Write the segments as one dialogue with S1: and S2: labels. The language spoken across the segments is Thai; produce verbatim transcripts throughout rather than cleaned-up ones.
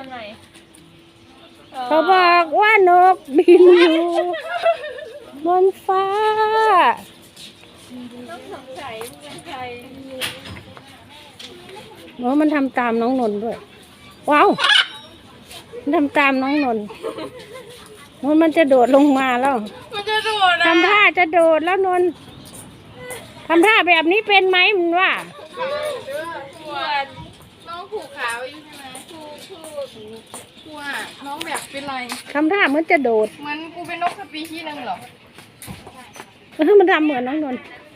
S1: อนไหน
S2: เขาบอกว่านกบินอยู่บนฟ้า
S1: ต้องสงสัยเป็นใคร
S2: โอ้มันทำตามน้องนนท์ด้วยว้าวมันทำตามน้องนนท์นนท์มันจะโดดลงมาแล้ว
S1: มันจะโดดนะ
S2: ทำท่าจะโดดแล้วนนท์ทำท่าแบบนี้เป็นไหมมันว่า
S1: ปวดน้องผูกขาไว้อยู่ใช่ไหมผูกผูกผูกอ่ะน้องแบบเป็นไร
S2: ทำท่าเหมือนจะโดด
S1: เหมือนกูเป็นนกสปีชีส์นึงเหรอ
S2: เออมันทำเหมือนน้องนนท์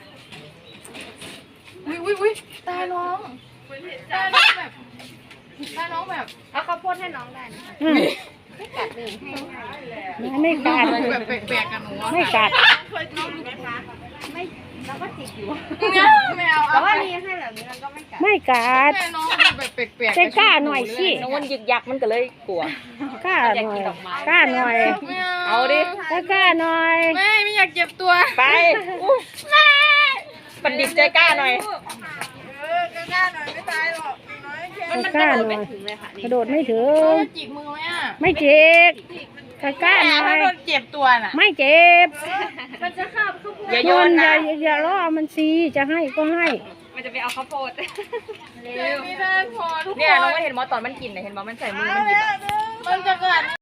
S1: วิววิววิตาน้องตาน้องแบบตาน้องแบบเอาข้าวโพดให้น้องได้นะไม่กัดเลย
S2: ไม่กัด
S1: แบบแปลกๆกันหนู
S2: ไม่กัด
S1: น้องดูไหมคะไม่เราก็จิกอยู่เนี่ยไม่เอาแต่ว่านี่ให้แบบนี้มันก็ไม่กัด
S2: ไม่กัด
S1: แม่น้องดูแบบแปลกๆ
S2: ใจกล้าหน่อยสิ
S3: น้องมันยึกยักมันก็เลยกลัว
S2: กล้าหน่อยกล้าหน่อย
S3: เอาดิ
S2: กล้าหน่อย
S1: ไม่ไม่อยากเจ็บตัว
S3: ไปไม่ปันดิบใจกล้าหน่อย
S1: เออกล้าหน่อยไม่ตายหรอกน้อยแค่
S2: มันกล้าหน่อยกระโดดไม่ถึง
S1: จิกมือไหมอ่ะ
S2: ไม่เจ็บกล้าหน่อย
S1: โดนเจ็บตัวน่ะ
S2: ไม่เจ็บ
S1: มันจะข้ามข้าวโพด
S3: อย่าโยนนะ
S2: อย่าอย่าล่อมันซีจะให้ก็ให้
S3: มันจะไปเอาข้าวโพด
S1: เร็วไม่ได้พอทุกคน
S3: เนี่ยน้องไม่เห็นมอตอนมันกินเห็นมอมันใส่มือมันหยิบ
S1: มันจะกัด